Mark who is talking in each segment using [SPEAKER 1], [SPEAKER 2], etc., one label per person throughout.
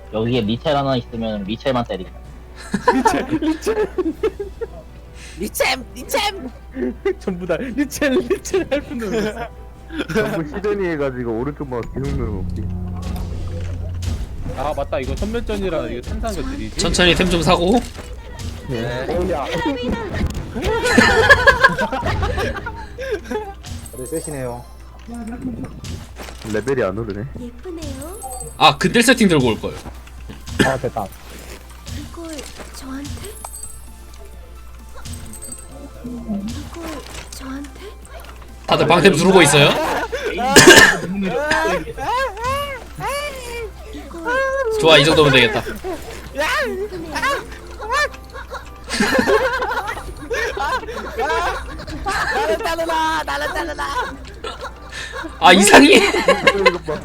[SPEAKER 1] 여기에 리첼 하나 있으면 리첼만 때리자.
[SPEAKER 2] 리챔
[SPEAKER 3] 전부 다 리첼 할 뿐이야.
[SPEAKER 4] 전부 시드니 해가지고 오른쪽 마우스 계속 누르기.
[SPEAKER 3] 아 맞다, 이거 선면전이라 이거 탄산 것들이지.
[SPEAKER 5] 천천히 템 좀 사고.
[SPEAKER 4] 오야.
[SPEAKER 2] 네 셋이네요.
[SPEAKER 4] 레벨이 안 오르네.
[SPEAKER 6] 예쁘네요.
[SPEAKER 5] 아 근딜 세팅 들고 올 걸.
[SPEAKER 2] 아 됐다.
[SPEAKER 6] 이걸 저한테? 이걸 저한테?
[SPEAKER 5] 다들 방템 두르고 있어요?
[SPEAKER 6] 이걸
[SPEAKER 5] 좋아, 이 정도면 되겠다.
[SPEAKER 2] 나를 따르라.
[SPEAKER 5] 아 이상해.
[SPEAKER 4] 이거 봐.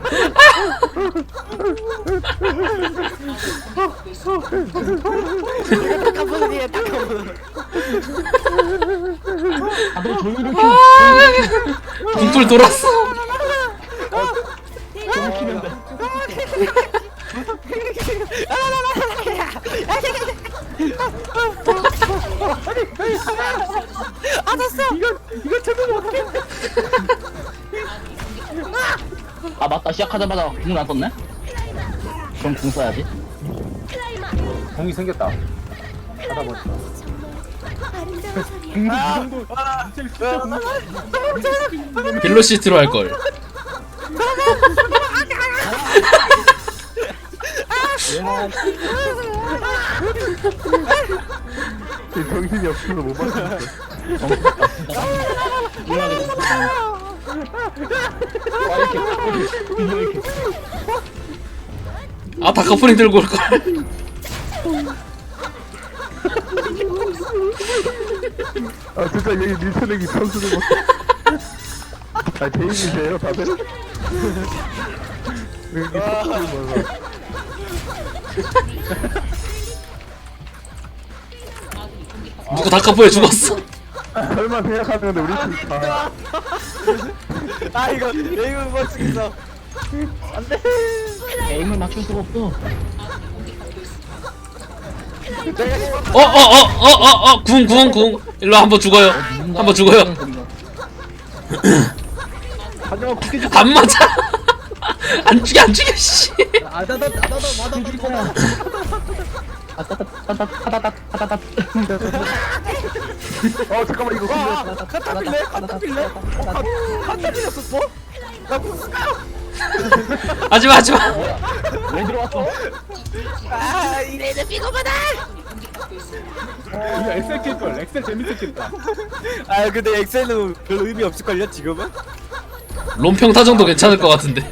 [SPEAKER 2] 깜빡이야 깜빡이.
[SPEAKER 1] 다들 조율을
[SPEAKER 5] 궁풀 돌았어.
[SPEAKER 1] 아 맞다, 시작하자마자 궁을 안 썼네? 그럼 궁 써야지.
[SPEAKER 2] 공이 생겼다. 하다 보니까.
[SPEAKER 6] 아름다운 소리야.
[SPEAKER 5] 빌로시트로 할 걸.
[SPEAKER 4] 정신이 없어서 못 봤어.
[SPEAKER 5] 아 다커프링 들고 올 걸.
[SPEAKER 4] 아 진짜 여기 밀쳐내기 선수들 못. 아 제임이세요 다들? 왜 이렇게 선수들 많아?
[SPEAKER 5] 누구 다커프에 죽었어.
[SPEAKER 4] 설마 생각하는데 우리 팀 다.
[SPEAKER 2] 아 이거 못 쓰겠어.
[SPEAKER 1] 에임을 맞출 수가 없어.
[SPEAKER 5] 궁. 일로 한번 죽어요. 한번 죽어요.
[SPEAKER 3] 하지만 굳이
[SPEAKER 5] 안 맞아. 안 죽여 씨.
[SPEAKER 3] 아다다
[SPEAKER 4] 잠깐만 이거 근데
[SPEAKER 2] 카타필레? 카타필레였었어? 나 무스까?
[SPEAKER 5] 하지마.
[SPEAKER 1] 왜 들어왔어?
[SPEAKER 2] 아 이래는 삐고마다.
[SPEAKER 3] 이거 엑셀 킬걸. 엑셀 재밌었겠다.
[SPEAKER 2] 아 근데 엑셀은 별로 의미 없을걸요 지금은?
[SPEAKER 5] 롬평타 정도 괜찮을 것 같은데.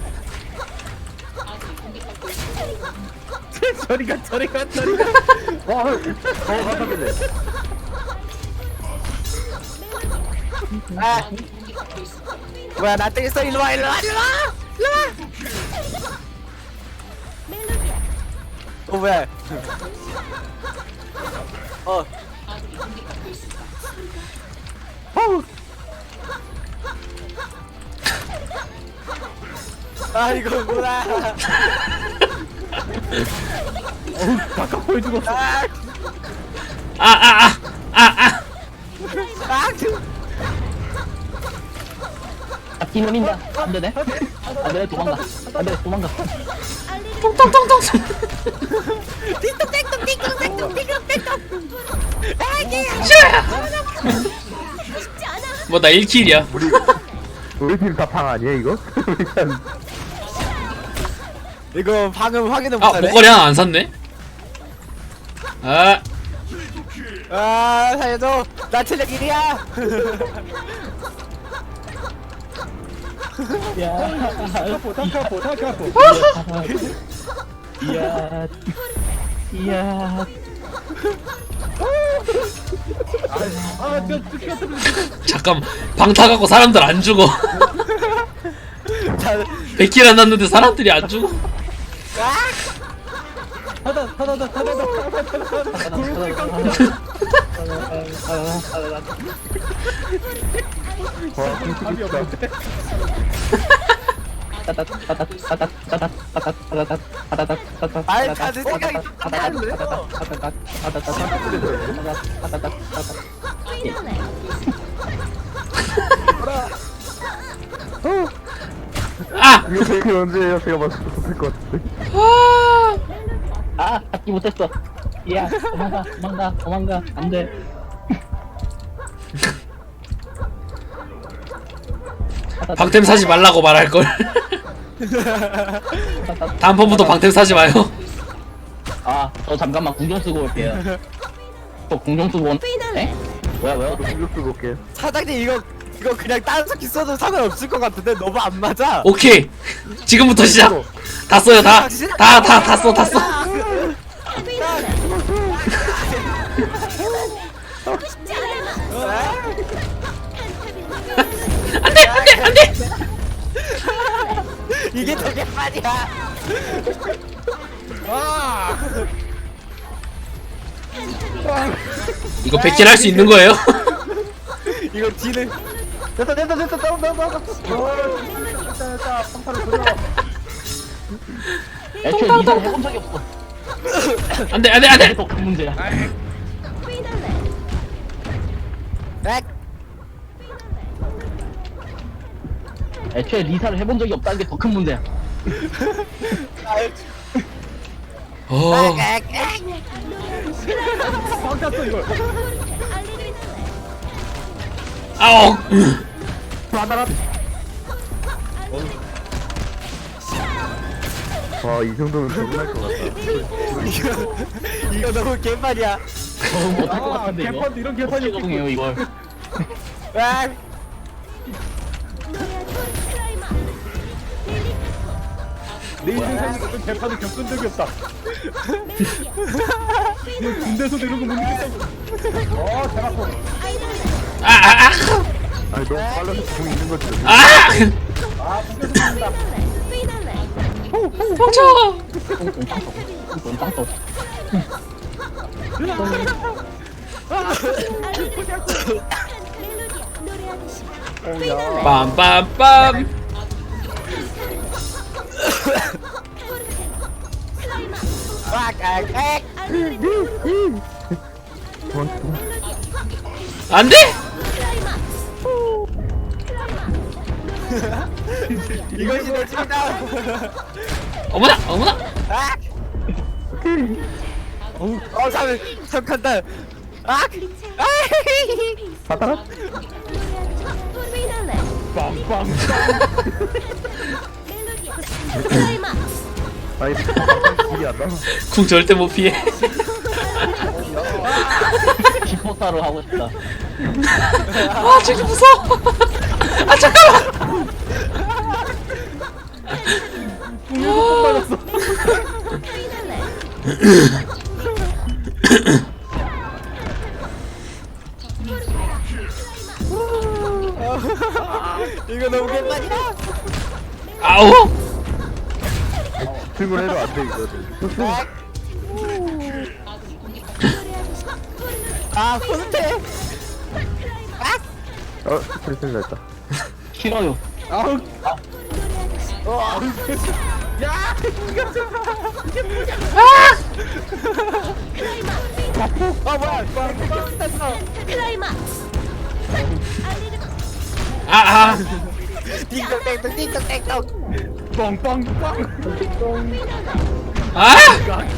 [SPEAKER 3] 저리가.
[SPEAKER 4] 와 맞았겠네.
[SPEAKER 2] 아 뭐야 나 때렸어. 일로와. 어 뭐야? 아 이거 뭐야?
[SPEAKER 3] 다커프에 죽었어.
[SPEAKER 2] 아
[SPEAKER 1] 잡기 노린다. 안 되네. 안 되네, 도망가. 안 돼, 도망가.
[SPEAKER 5] 똥똥똥똥. 뭐나 1킬이야.
[SPEAKER 4] 우리 팀 다 방 아니야 이거? 일단
[SPEAKER 2] 이거 방금 확인을
[SPEAKER 5] 아
[SPEAKER 2] 못하네.
[SPEAKER 5] 목걸이 하나 안 샀네. 아
[SPEAKER 2] 아 살려줘. 나 체력 1이야.
[SPEAKER 3] 다카포.
[SPEAKER 1] 이야.
[SPEAKER 5] 잠깐 방타 갖고 사람들 안 죽어. 100킬 안 났는데 사람들이 안 죽어.
[SPEAKER 4] 와 공식 있다.
[SPEAKER 2] 아이, 다들 생각이
[SPEAKER 5] 아!
[SPEAKER 4] 이거 되게 언제예요? 제가 맞춰서 될것 같은데.
[SPEAKER 1] 아, 잡기 못했어. 야, 도망가. 안 돼.
[SPEAKER 5] 방템 사지 말라고 말할걸. 다음번부터 방템 사지 마요.
[SPEAKER 1] 아, 저 잠깐만 궁정 쓰고 올게요. 저 궁정 쓰고 온. 에? 뭐야?
[SPEAKER 4] 공격 쓰고 올게요.
[SPEAKER 2] 사장님 이거 그냥 다른 스킬 써도 상관없을 것 같은데 너무 안 맞아.
[SPEAKER 5] 오케이. 지금부터 시작. 다 써요, 다 써. 안돼.
[SPEAKER 2] 이게 더 개판이야. 와.
[SPEAKER 5] 이거 백질 할 수 있는 거예요?
[SPEAKER 2] 이거 뒤는
[SPEAKER 3] 됐다 나온다.
[SPEAKER 1] 애초에 이상 해본 적이 없어.
[SPEAKER 5] 안돼.
[SPEAKER 1] 이게 더 큰 문제야. 애초에 리사를 해본 적이 없다는 게 더 큰 문제야.
[SPEAKER 5] 어.
[SPEAKER 3] 방탔어 이걸.
[SPEAKER 5] 아오.
[SPEAKER 4] 와, 이 정도면 적응할 것 같다.
[SPEAKER 2] 이거 너무 개판이야.
[SPEAKER 1] 못할 것 같은데 이거.
[SPEAKER 3] 개판 이런 개판이
[SPEAKER 1] 어떻게 적응해요 이걸.
[SPEAKER 2] 아,
[SPEAKER 3] 내 인생에서 그런 개판을 겪은 적이 없다. 이거 군대에서도 이런 거 못 느꼈다고. 대박.
[SPEAKER 4] 아니, 너무 빨라서 공 있는 거지.
[SPEAKER 5] 멈춰.
[SPEAKER 1] 빵떡.
[SPEAKER 5] 빰빰빰. 안돼.
[SPEAKER 2] 이것이 내 집이다.
[SPEAKER 5] 어머나.
[SPEAKER 2] 참 간다. 아,
[SPEAKER 3] 빵빵.
[SPEAKER 4] 아니, 길이 안 나와.
[SPEAKER 5] 궁 절대 못 피해.
[SPEAKER 1] 슈퍼스타로 하고 싶다.
[SPEAKER 5] 아, 저기 무서워. 아, 잠깐만.
[SPEAKER 2] 이거 너무 개판이야.
[SPEAKER 5] 아우.
[SPEAKER 4] 출근해도 안 돼, 이거는.
[SPEAKER 2] 아, 손대.
[SPEAKER 4] 스트레스 났다.
[SPEAKER 1] 싫어요.
[SPEAKER 3] 아우.
[SPEAKER 2] 아, 뭐야? 됐어.
[SPEAKER 5] 아.
[SPEAKER 2] 띵동댕동 띵동댕동.
[SPEAKER 3] 빵빵빵.
[SPEAKER 5] 아.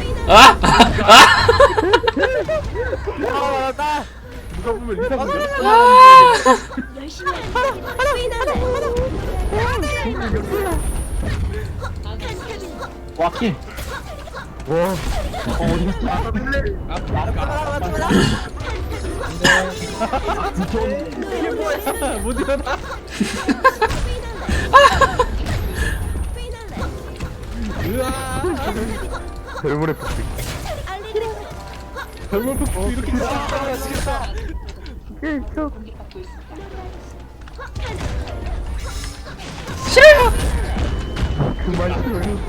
[SPEAKER 2] 나
[SPEAKER 3] 누가 보면 리사 보면.
[SPEAKER 6] 열심히 하는
[SPEAKER 1] 와키.
[SPEAKER 4] 와,
[SPEAKER 1] 어디 갔어?
[SPEAKER 3] 이게 뭐야? 못 일어나.
[SPEAKER 4] 별물의 폭식.
[SPEAKER 3] 별걸 푹 이렇게
[SPEAKER 4] 그만 싫어요.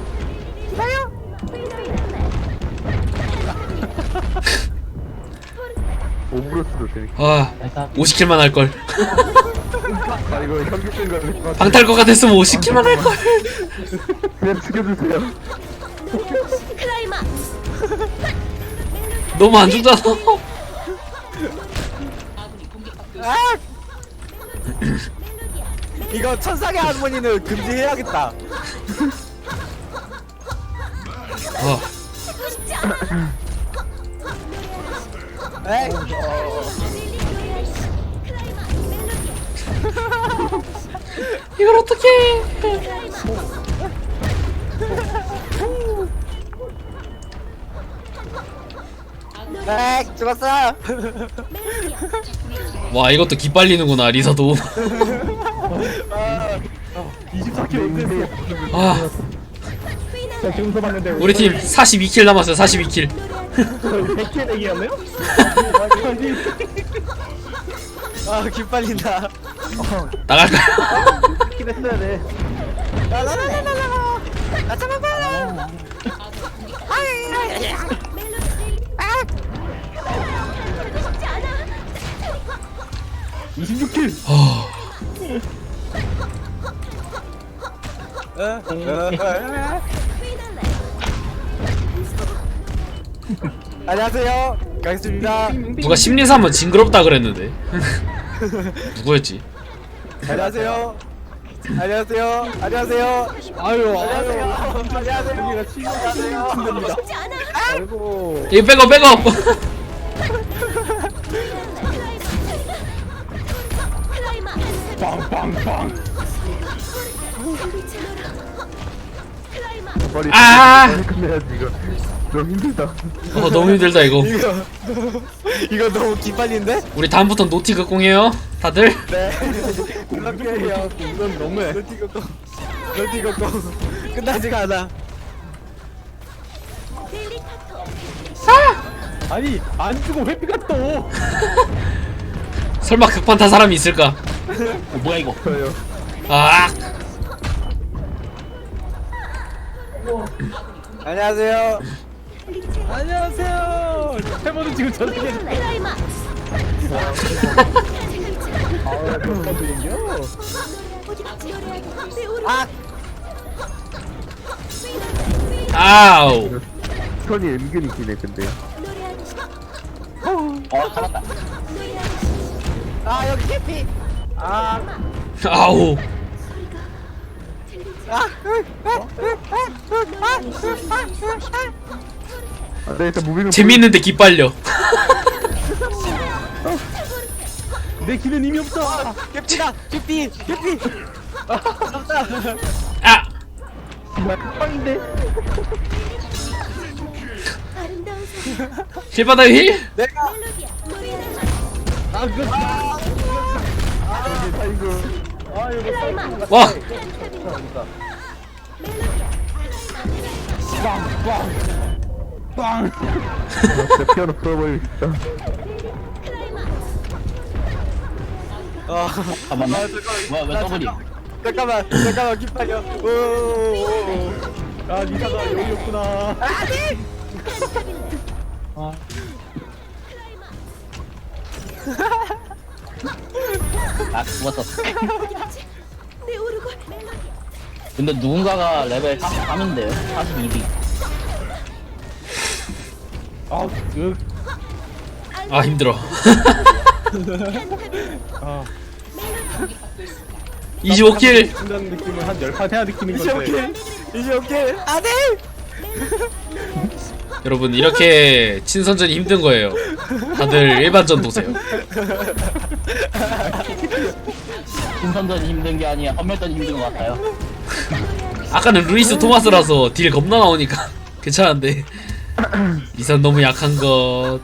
[SPEAKER 4] 오브로스도 재밌.
[SPEAKER 5] 와, 50킬만 할 걸.
[SPEAKER 4] 아 이거 현기증 걸릴 것 같아.
[SPEAKER 5] 방탈 것 같았으면 50킬만 할걸.
[SPEAKER 4] 그냥 죽여주세요.
[SPEAKER 6] 클라이막스.
[SPEAKER 5] 너무 안 죽잖아.
[SPEAKER 2] 이거 천상의 할머니는 금지해야겠다.
[SPEAKER 5] 어.
[SPEAKER 2] 에이.
[SPEAKER 5] 이걸 어떡해.
[SPEAKER 2] 에이, 죽었어.
[SPEAKER 5] 와 이것도 기빨리는구나 리사도.
[SPEAKER 3] 24킬 어땠어?
[SPEAKER 5] 아
[SPEAKER 3] 자 지금서 봤는데
[SPEAKER 5] 우리 팀 42킬 남았어요. 42킬.
[SPEAKER 3] 100킬 내기였네요?
[SPEAKER 2] 아, 기빨린다.
[SPEAKER 5] 나갈까요?
[SPEAKER 3] 킬 했어야 돼.
[SPEAKER 2] 라라라라라라. 나 잡아봐.
[SPEAKER 3] 26킬.
[SPEAKER 2] 안녕하세요. 가겠습니다.
[SPEAKER 5] 누가 심리사 한번 징그럽다 그랬는데. 누구였지?
[SPEAKER 2] 안녕하세요. 안녕하세요. 안녕하세요.
[SPEAKER 3] 아유
[SPEAKER 2] 안녕하세요. 안녕하세요.
[SPEAKER 3] 여기가 친구가 됩니다. 아이고.
[SPEAKER 5] 이거 백업 백업.
[SPEAKER 6] 클라이막스.
[SPEAKER 3] 빵빵빵.
[SPEAKER 6] 클라이막스.
[SPEAKER 4] 빨리
[SPEAKER 5] 아!
[SPEAKER 4] 빨리 끝내야지 이거. 너무 힘들다.
[SPEAKER 5] 너무 힘들다 이거.
[SPEAKER 2] 이거 너무 기빨린데?
[SPEAKER 5] 우리 다음부터 노티 극공해요. 다들.
[SPEAKER 2] 네. 그렇게요.
[SPEAKER 3] 이건 너무해.
[SPEAKER 2] 너티고고. 너티고고. 끝나지가 않아.
[SPEAKER 3] 아니 안 주고 회피가 또.
[SPEAKER 5] 설마 극판 탄 사람이 있을까?
[SPEAKER 1] 뭐야 이거?
[SPEAKER 4] 저요.
[SPEAKER 5] 아.
[SPEAKER 2] 안녕하세요.
[SPEAKER 3] 안녕하세요. 해보는 지금 저렇게.
[SPEAKER 6] 클라이막스.
[SPEAKER 3] 아 그런 분인겨.
[SPEAKER 6] 어디 갔지? 내 오른.
[SPEAKER 2] 아,
[SPEAKER 5] 아우.
[SPEAKER 4] 선이 은근히 기네 근데.
[SPEAKER 6] 노래하듯이.
[SPEAKER 1] 잡았다.
[SPEAKER 6] 노래하듯이.
[SPEAKER 2] 아 여기 캐피. 아,
[SPEAKER 5] 아우.
[SPEAKER 4] 아, 네 일단 무빙은
[SPEAKER 5] 재밌는데 기빨려.
[SPEAKER 3] 내 길은 이미 없어.
[SPEAKER 2] 캐피다. 캐피. 캐피. 잡다.
[SPEAKER 5] 아.
[SPEAKER 3] 나 끝방인데.
[SPEAKER 6] 아름다운 소리.
[SPEAKER 5] 힐바다 힐?
[SPEAKER 2] 내가
[SPEAKER 6] 멜로디야. 노래하듯이.
[SPEAKER 3] 아 그거. 아 이거
[SPEAKER 6] 클라이막스.
[SPEAKER 5] 와.
[SPEAKER 3] 빵.
[SPEAKER 4] 진짜 피아노 풀어버리고 싶다.
[SPEAKER 1] 잠깐만. 뭐야 왜 더블이?
[SPEAKER 2] 잠깐만 기빨려. 오.
[SPEAKER 3] 아 니사가 여기 없구나.
[SPEAKER 1] 아 죽었어.
[SPEAKER 6] 내 오르골. 멜로디야.
[SPEAKER 1] 근데 누군가가 레벨 43인데요? 42비.
[SPEAKER 3] 아 그.
[SPEAKER 5] 아 힘들어.
[SPEAKER 3] 아.
[SPEAKER 5] 25킬.
[SPEAKER 3] 한다는 느낌을 한 10판 해야 느끼는
[SPEAKER 2] 이제
[SPEAKER 3] 건데.
[SPEAKER 2] 오케이. 이제 오케이. 안돼.
[SPEAKER 5] 여러분 이렇게 친선전이 힘든 거예요. 다들 일반전 보세요.
[SPEAKER 1] 신선전이 힘든 게 아니야. 헌멸전이 힘든 것 같아요.
[SPEAKER 5] 아까는 루이스 토마스라서 딜 겁나 나오니까 괜찮은데 리산 너무 약한 것.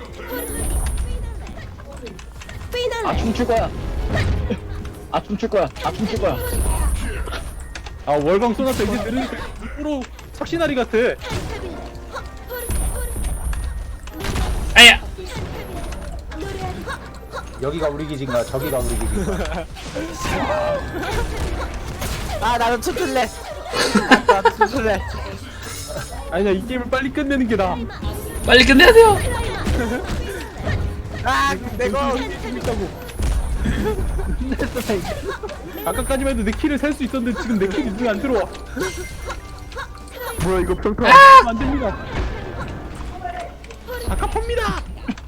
[SPEAKER 1] 아 춤출 거야. 아 춤출 거야. 아 춤출 거야.
[SPEAKER 3] 아 월광 쏘나서 이제 들으니까 프로 착신아리 같아.
[SPEAKER 5] 아야.
[SPEAKER 7] 여기가 우리 기지인가 저기가 우리 기지인가.
[SPEAKER 2] 아 나도 춤출래. 나도 춤출래.
[SPEAKER 3] 아니야 이 게임을 빨리 끝내는 게 나아.
[SPEAKER 5] 빨리 끝내야 돼요.
[SPEAKER 2] 아 내고.
[SPEAKER 3] 재밌다고. 아까까지만 해도 내 키를 살 수 있었는데 지금 내 킬이 눈에 안 들어와.
[SPEAKER 4] 뭐야 이거 평타.
[SPEAKER 3] 안 됩니다. 아깝합니다.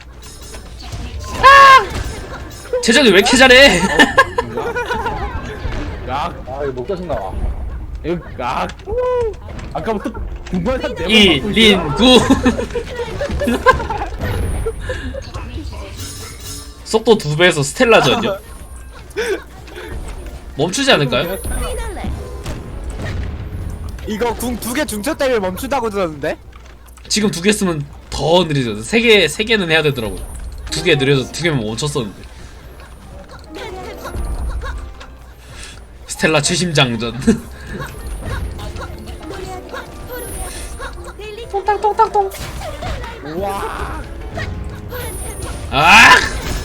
[SPEAKER 5] 재정이 왜 이렇게 잘해?
[SPEAKER 3] 야,
[SPEAKER 7] 아 이거 목젖은 나와.
[SPEAKER 3] 이거 아까부터 중간에 한 4번
[SPEAKER 5] 이린구 속도 2배에서 스텔라전이요? 멈추지 않을까요?
[SPEAKER 6] 피날레.
[SPEAKER 2] 이거 궁 2개 중첩 때문에 멈춘다고 들었는데?
[SPEAKER 5] 지금 2개 쓰면 더 느리거든. 3개는 해야 되더라고. 2개 느려서 2개면 멈췄었는데. 스텔라 최심장전. 똥땅똥땅똥.
[SPEAKER 3] 우와.
[SPEAKER 5] 아!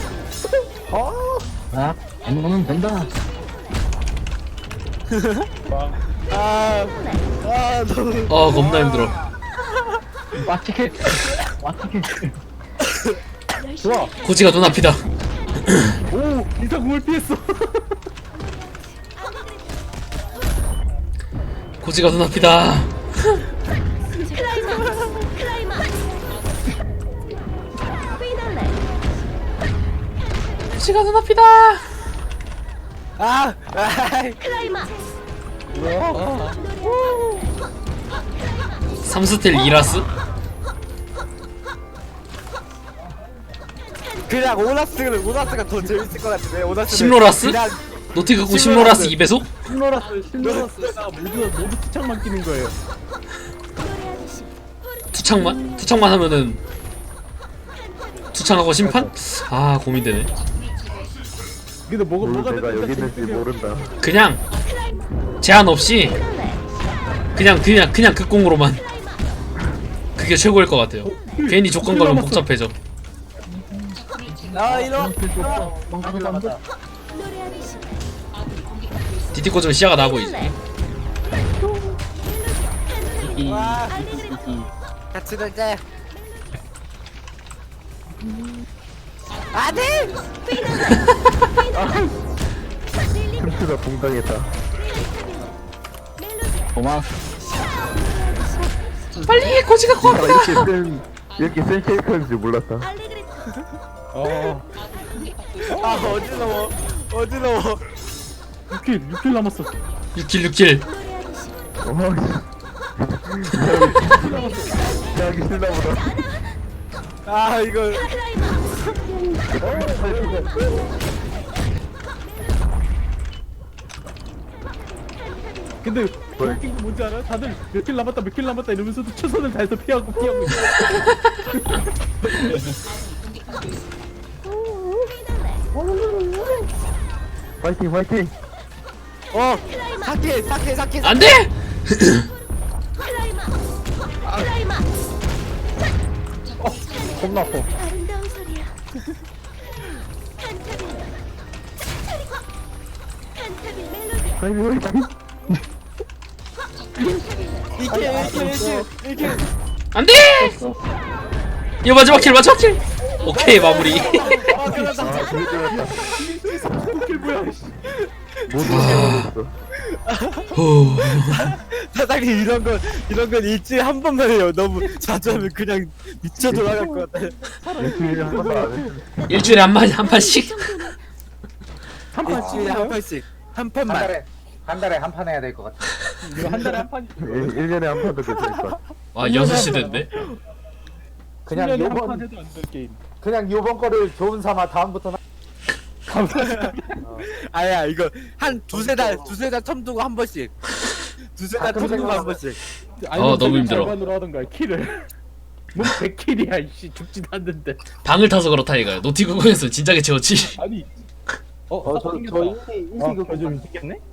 [SPEAKER 1] 아, 안무는 된다.
[SPEAKER 2] 너무.
[SPEAKER 5] 겁나 힘들어.
[SPEAKER 1] 와치켓. 와치켓.
[SPEAKER 3] 좋아.
[SPEAKER 5] 고지가 눈앞이다.
[SPEAKER 3] 오, 인사공을 피했어.
[SPEAKER 5] 고지가 눈앞이다.
[SPEAKER 6] 클라이막스. 피날레.
[SPEAKER 5] 고지가 눈앞이다.
[SPEAKER 6] 클라이막스.
[SPEAKER 5] 3스텔 이라스?
[SPEAKER 2] 그냥 오나스가 더 재밌을 것 같은데. 오나스.
[SPEAKER 5] 심로라스? 노티그공 심로라스 2배속?
[SPEAKER 3] 신로라스가 모두 투창만 끼는 거예요.
[SPEAKER 5] 투창만? 투창만 하면은 투창하고 심판? 아 고민되네.
[SPEAKER 3] 근데 뭐가
[SPEAKER 4] 뭘 내가
[SPEAKER 3] 됐다
[SPEAKER 4] 여기 있는지
[SPEAKER 3] 싶으면
[SPEAKER 4] 모른다.
[SPEAKER 5] 그냥 제한 없이 그냥 극공으로만 그게 최고일 것 같아요. 괜히 조건 걸면 복잡해져.
[SPEAKER 2] 이런.
[SPEAKER 5] 디티 꽂으면 시야가 나 보이지.
[SPEAKER 2] 같이 놀자. 아들!
[SPEAKER 4] 틈추가 봉당했다.
[SPEAKER 1] 고마워.
[SPEAKER 5] 빨리 고지가
[SPEAKER 4] 아, 이렇게 센 캐릭터인 줄 몰랐다.
[SPEAKER 2] 어지러워.
[SPEAKER 3] 6킬 남았어.
[SPEAKER 5] 6킬.
[SPEAKER 4] 하기 싫나 보다.
[SPEAKER 2] 이거.
[SPEAKER 3] 근데 웃긴 거 뭔지 알아? 다들 몇 킬 남았다 이러면서도 최선을 다해서 피하고 있어.
[SPEAKER 4] 화이팅 화이팅.
[SPEAKER 2] 사케.
[SPEAKER 5] 안돼!
[SPEAKER 6] 클라이막스.
[SPEAKER 3] 겁나 아파.
[SPEAKER 6] 아름다운 소리야. 칸타빌 멜로디.
[SPEAKER 4] 화이팅.
[SPEAKER 2] 이게.
[SPEAKER 5] 안돼! 이거 마지막 킬. 오케이 마무리.
[SPEAKER 4] 되게 좋았다.
[SPEAKER 3] 킬 뭐야?
[SPEAKER 4] 모두 깨버렸어.
[SPEAKER 5] 후.
[SPEAKER 2] 사장님 이런 건 일주일에 한 번만 해요. 너무 자주 하면 그냥 미쳐 돌아갈 것 같아.
[SPEAKER 4] 일주일에 한 번도 안 해.
[SPEAKER 5] 일주일에 한 판씩.
[SPEAKER 2] 일주일에 한 판씩. 한
[SPEAKER 7] 한
[SPEAKER 2] 판만.
[SPEAKER 7] 달에 한 판 해야 될 것 같아.
[SPEAKER 3] 이거 한 달에 한 판.
[SPEAKER 4] 1년에 한 번도 괜찮을까.
[SPEAKER 5] 와 6시 됐네.
[SPEAKER 7] 그냥
[SPEAKER 3] 1년에 한 판
[SPEAKER 7] 요번
[SPEAKER 3] 해도 안 될 게임.
[SPEAKER 7] 그냥 요번 거를 좋은 삼아 다음부터는
[SPEAKER 2] 아야 이거 한 두세 달 텀 두고 한 번씩. 두세 달 텀 두고 한 번씩.
[SPEAKER 5] 너무 힘들어.
[SPEAKER 3] 절반으로 하던가 킬을. 뭔 100킬이야 이씨 죽지도 않는데.
[SPEAKER 5] 방을 타서 그렇다 이거야. 노티그공에서 진작에 채웠지.
[SPEAKER 3] 아니.
[SPEAKER 7] 저 인기
[SPEAKER 3] 좀 생겼네?